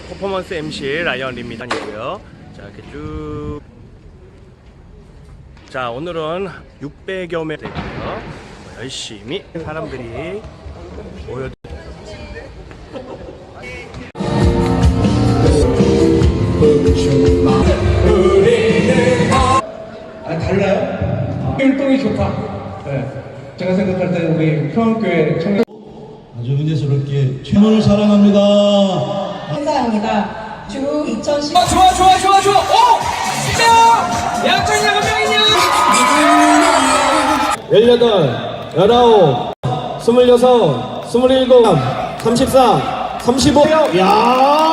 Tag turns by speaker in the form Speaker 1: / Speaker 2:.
Speaker 1: 퍼포먼스 MC 라이언 림미단이고요. 자, 이렇게 쭉. 자, 오늘은 600여 명 되고요. 열심히 사람들이 모여.
Speaker 2: 달라요? 활동이 좋다. 네. 제가 생각할 때는 우리 평안교회 청년
Speaker 3: 아주 은혜스럽게 최선을 사랑합니다.
Speaker 4: 행사입니다. 주 2010.
Speaker 5: 좋아. 오! 진짜! 양천이 몇 명이냐?
Speaker 6: 18, 19, 26, 27, 34, 35. 야!